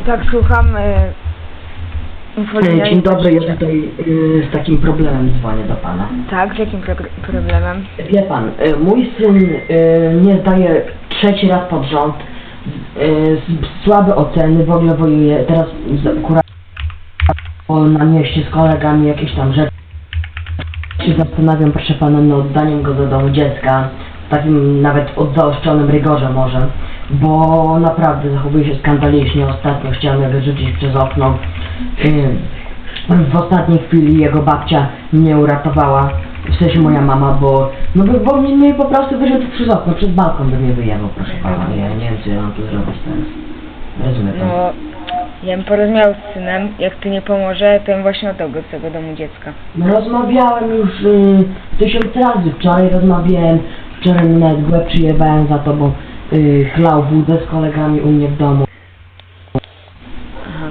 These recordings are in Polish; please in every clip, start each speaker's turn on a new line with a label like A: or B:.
A: Tak, słucham.
B: Dzień dobry, ja tutaj z takim problemem dzwonię do pana.
A: Tak, z jakim problemem?
B: Wie pan, mój syn nie zdaje trzeci raz pod rząd, słabe oceny, w ogóle wojuje, teraz akurat na mieście z kolegami jakieś tam rzeczy. Się zastanawiam, proszę pana, nad oddaniem go do domu dziecka, w takim nawet zaostrzonym rygorze może, bo naprawdę zachowuje się skandalicznie. Ostatnio chciałem go wyrzucić przez okno. W ostatniej chwili jego babcia mnie uratowała, w sensie moja mama, bo mnie po prostu wyrzucił przez okno, przez balkon by mnie wyjechał, proszę pana. Ja nie wiem, co ja mam tu zrobić teraz. Rozumie pan?
A: No, ja bym porozmawiał z synem, jak ty nie pomoże, to bym właśnie oddał go z tego domu dziecka.
B: No rozmawiałem już 1000 razy, wczoraj rozmawiałem, wczoraj mi nawet głę przyjebałem za to, bo chlał wódę z kolegami u mnie w domu.
A: Aha.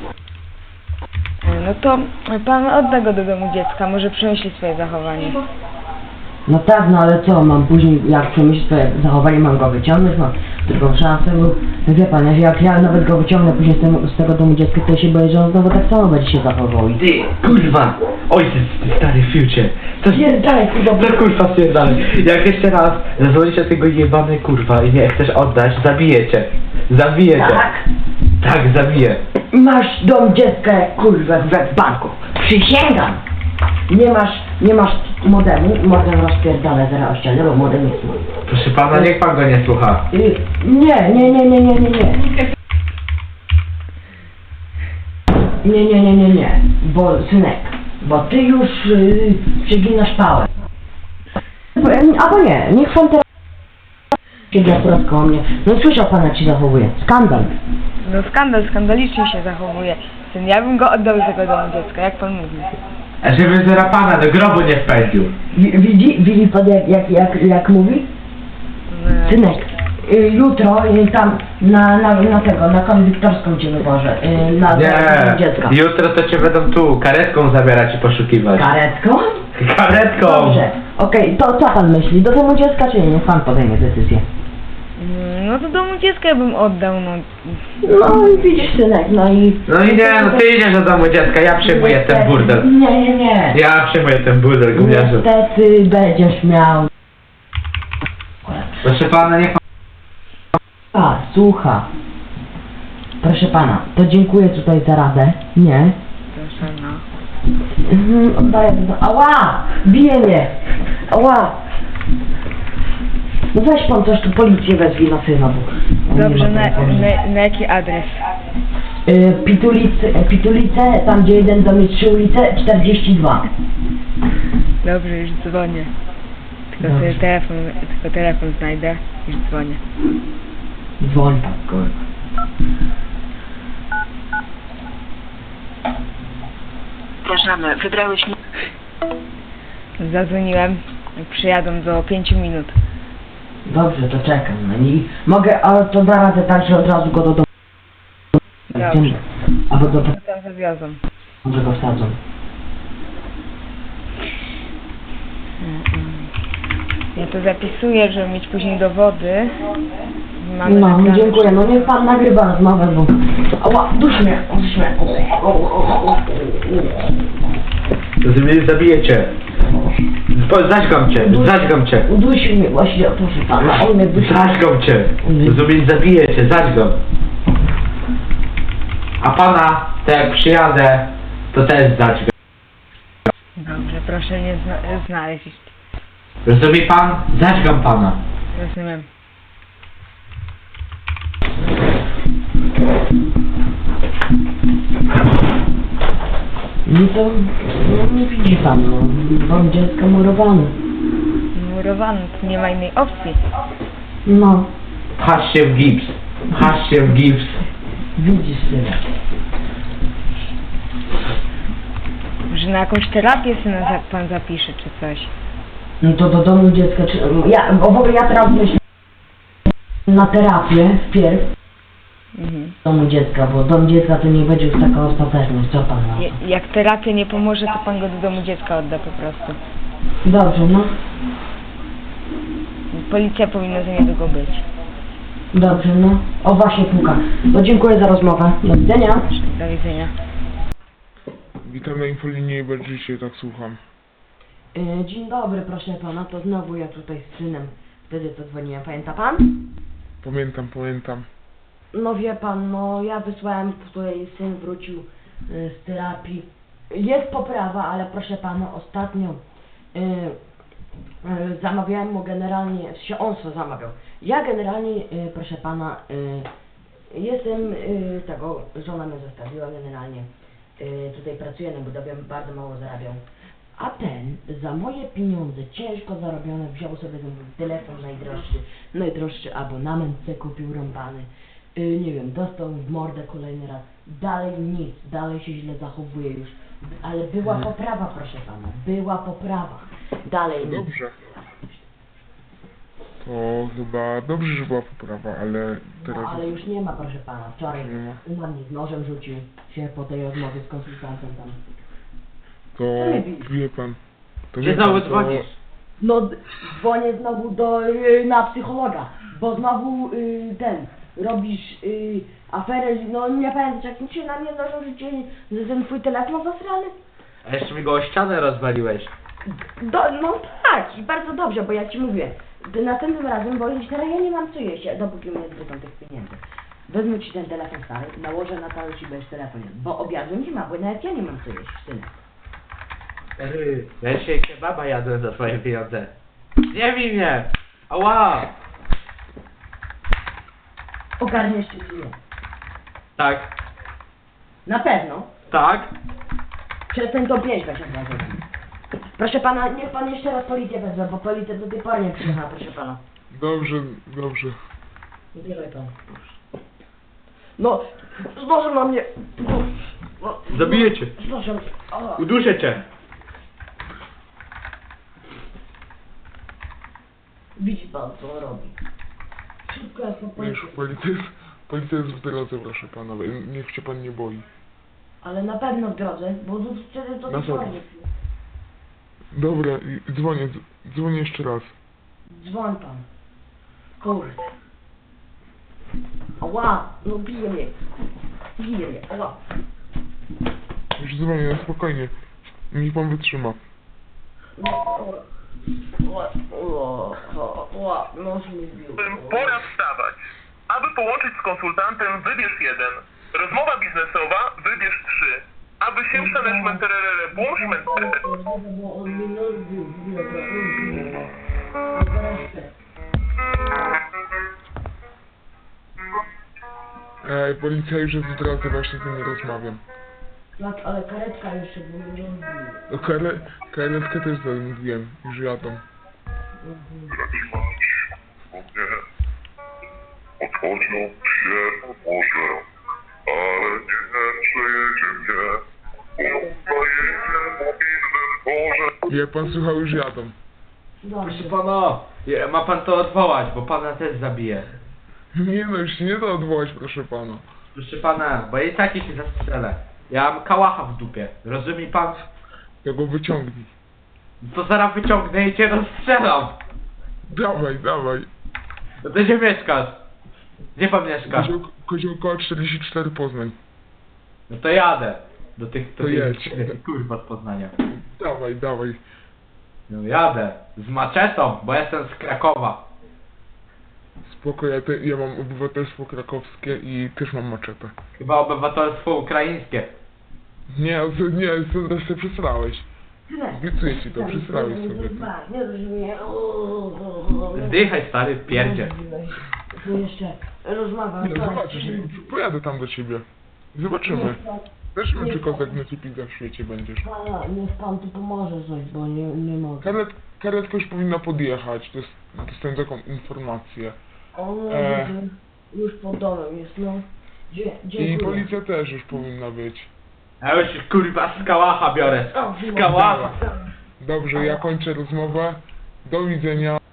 A: No to pan odda go do domu dziecka, może przemyśli swoje zachowanie.
B: No tak, no ale co, mam później, jak przemyśleć swoje zachowanie, mam go wyciągnąć, mam drugą szansę, bo wie pan, jak ja nawet go wyciągnę później z tego domu dziecka, to się boję, że on znowu tak samo będzie się zachował.
C: Ty, kurwa! Ojciec, ty stary future! To
B: Pierdalaj, kurwa,
C: no kurwa pierdalaj! Jak jeszcze raz zadzwonicie tego jebany kurwa i nie chcesz oddać, zabiję cię! Zabiję cię!
B: tak?
C: Tak, zabiję!
B: Masz dom dziecka jak kurwa w banku. Przysięgam! Nie masz modemu, modem rozpierdolę zaraz o ścianę, bo modem jest mój.
C: Proszę pana, niech pan go nie słucha.
B: Nie. Nie, bo synek, bo ty już przeginasz pałę. Albo nie, niech pan teraz siedzi akurat koło mnie. No słyszał pan, jak się zachowuje. Skandal.
A: No skandalicznie się zachowuje. Syn, ja bym go oddał z tego domu dziecka, jak pan mówi.
C: A żeby zera pana do grobu nie wpędził.
B: Widzi pan jak mówi?
A: No.
B: Synek, jutro tam na konwiktorską cię wywożę, na
C: Nie,
B: dziecka.
C: jutro to cię będą tu karetką zabierać i poszukiwać.
B: Karetką?
C: Karetką!
B: Dobrze, okej, to co pan myśli? Do domu dziecka czy nie? Niech pan podejmie decyzję.
A: No to domu dziecka ja bym oddał, no.
B: No i widzisz synek, no i...
C: No i nie, no ty idziesz do domu dziecka, ja przyjmuję ten burdel.
B: Nie.
C: Ja przyjmuję ten burdel, gówniarzu.
B: Niestety będziesz miał...
C: Proszę pana, niech pan...
B: Słucha. Proszę pana, to dziękuję tutaj za radę. Nie?
A: Proszę, no.
B: Oddaję to. Ała! Bije mnie! Ała! No weź pan coś tu, policję wezwij na syna, bo...
A: Dobrze, na jaki adres?
B: Pitulice, tam gdzie jeden dom jest 3 ulice, 42.
A: Dobrze, już dzwonię. Tylko sobie telefon znajdę, już dzwonię.
B: Dzwoń pan, kurwa.
D: Przepraszamy, wybrałeś mi...
A: Zadzwoniłem, przyjadą do 5 minut.
B: Dobrze, to czekam. No i mogę, ale to da radę tak, że od razu go do domu.
A: Dobrze.
B: Albo do...
A: Tam zawiozą.
B: Może go wsadzą.
A: Ja to zapisuję, żeby mieć później dowody. Mamy
B: No,
A: nagrane.
B: dziękuję. No niech pan nagrywa rozmowę, bo... Ała, dusz mnie.
C: Zabijecie. Zaćgam cię.
B: Udusił mnie właśnie, proszę pana, on mnie dusił.
C: Zaćgam cię. Zabijecie, zaćgam. A pana, to jak przyjadę, to też zaćgam.
A: Dobrze, proszę mnie znaleźć.
C: Rozumie pan? Zaćgam pana.
A: Rozumiem.
B: No to, no widzi pan, no, dom dziecka murowany.
A: Murowany, to nie ma innej opcji.
B: No,
C: Pchasz się w gips. Pchasz się w gips.
B: widzisz syna.
A: Że na jakąś terapię syna pan zapisze, czy coś.
B: No to do domu dziecka, czy... w ogóle ja teraz myślę na terapię wpierw w domu dziecka, bo dom dziecka to nie będzie już taka ostateczność, co pan na to?
A: Jak terapia nie pomoże, to pan go do domu dziecka odda po prostu.
B: Dobrze, no.
A: Policja powinna za niedługo być.
B: Dobrze, no. O, właśnie puka. No dziękuję za rozmowę. Do widzenia.
A: Do widzenia.
E: Witam na infolinii Berżycie, tak słucham.
B: Dzień dobry, proszę pana. To znowu ja tutaj z synem. Wtedy to dzwoniłem. Pamięta pan?
E: Pamiętam.
B: No wie pan, no ja wysłałem, tutaj syn wrócił z terapii. Jest poprawa, ale proszę pana, ostatnio zamawiałem mu generalnie, on co zamawiał. Ja generalnie, proszę pana, jestem tego, żona mnie zostawiła generalnie. Tutaj pracuję na budowie, bardzo mało zarabiam. A ten za moje pieniądze, ciężko zarobione, wziął sobie ten telefon najdroższy abonament, se kupił rąbany. Nie wiem, dostał w mordę kolejny raz. Dalej nic, dalej się źle zachowuje już. Ale była poprawa, proszę pana, była poprawa. Dalej nic.
E: Dobrze. To chyba dobrze, że była poprawa, ale teraz...
B: No, ale już nie ma, proszę pana. Wczoraj
E: Nie ma.
B: na mnie z nożem rzucił się po tej rozmowie z konsultantem tam.
E: To wie pan... To
C: Gdzie
E: wie pan,
C: znowu
E: to...
C: dzwonisz?
B: No, dzwonię znowu na psychologa, bo znowu robisz aferę, no nie pamiętam, jak się na mnie nożą rzucili, że ten twój telefon zasrany.
C: A jeszcze mi go o ścianę rozwaliłeś.
B: No tak, i bardzo dobrze, bo ja ci mówię, następnym razem, bo już teraz ja nie mam co jeść, dopóki mnie zwrócą tych pieniędzy. Wezmę ci ten telefon stary, nałożę na talerz i będziesz telefon. Bo obiadu nie ma, bo nawet ja nie mam co jeść, synek.
C: Ja dzisiaj kebaba jadłem za twoje pieniądze. Nie bij mnie! Ała!
B: Ogarniesz się czy nie?
C: Tak,
B: Na pewno.
C: tak.
B: Przestań to pięć weź od razu. Proszę pana, niech pan jeszcze raz policję wezwie, bo policja do tej pory nie przyjechała, proszę pana.
E: Dobrze.
B: Zbieraj pan. No, z nożem na mnie. No,
C: Zabiję cię.
B: Z nożem. O.
C: Uduszę cię.
B: Widzi pan, co on robi. Szybko jest po policji.
E: Policja jest w drodze, proszę pana, niech się pan nie boi.
B: Ale na pewno w drodze, bo wtedy to
E: Na
B: tej pory
E: pewno.
B: nie przyjdzie.
E: Dobra, dzwonię jeszcze raz.
B: Dzwoń pan. Kurde. Ała, no bije mnie. Bije mnie, ała.
E: Już dzwonię, no spokojnie. Niech pan wytrzyma.
B: Nos mi bił.
F: Pora wstawać. Aby połączyć z konsultantem, wybierz 1. Rozmowa biznesowa, wybierz 3. Aby się przeneszment tererere, błąż mentere.
B: Bo on mi nos bił.
E: Policja już jest w drodze, właśnie z nimi rozmawiam.
B: Tak, ale karetka jeszcze by mnie rozbiła.
E: Karetkę też zamówiłem, już jadą.
F: Otworzą się może, ale nie przejedzie mnie. Pojedzie mobilnym torze.
E: Wie pan, słuchał, już jadą.
C: Proszę
B: Dobrze.
C: pana, ma pan to odwołać, bo pana też zabije.
E: Nie no, już się nie da odwołać, proszę pana.
C: Proszę pana, bo i tak się zastrzelę. Ja mam kałacha w dupie, rozumie pan?
E: Ja go wyciągnij.
C: To zaraz wyciągnę i cię rozstrzelam.
E: Dawaj.
C: No to gdzie mieszkasz? Gdzie pan mieszka?
E: Koziołkoła 44 Poznań.
C: No to jadę. Do tych,
E: To jedź.
C: kurwa z Poznania.
E: Dawaj.
C: No jadę. Z maczetą, bo jestem z Krakowa.
E: Spoko, ja mam obywatelstwo krakowskie i też mam maczetę.
C: Chyba obywatelstwo ukraińskie.
E: Nie, teraz się przesrałeś. Obiecuję ci to, przesrałeś sobie to.
B: Nie rozumiem.
C: Zdychaj stary pierdzie.
B: Tu jeszcze rozmowa.
E: Nie, zobaczysz, pojadę tam do ciebie. Zobaczymy. Zobaczymy, czy kozak na w świecie będziesz.
B: Pana, niech pan tu pomoże coś, bo nie mogę.
E: Karetka już powinna podjechać, dostałem taką informację.
B: On już pod domem jest, no.
E: I
B: Dziękuję.
E: policja też już powinna być.
C: Ja już kurwa z kałacha biorę. Z kałacha.
E: Dobrze, ja kończę rozmowę. Do widzenia.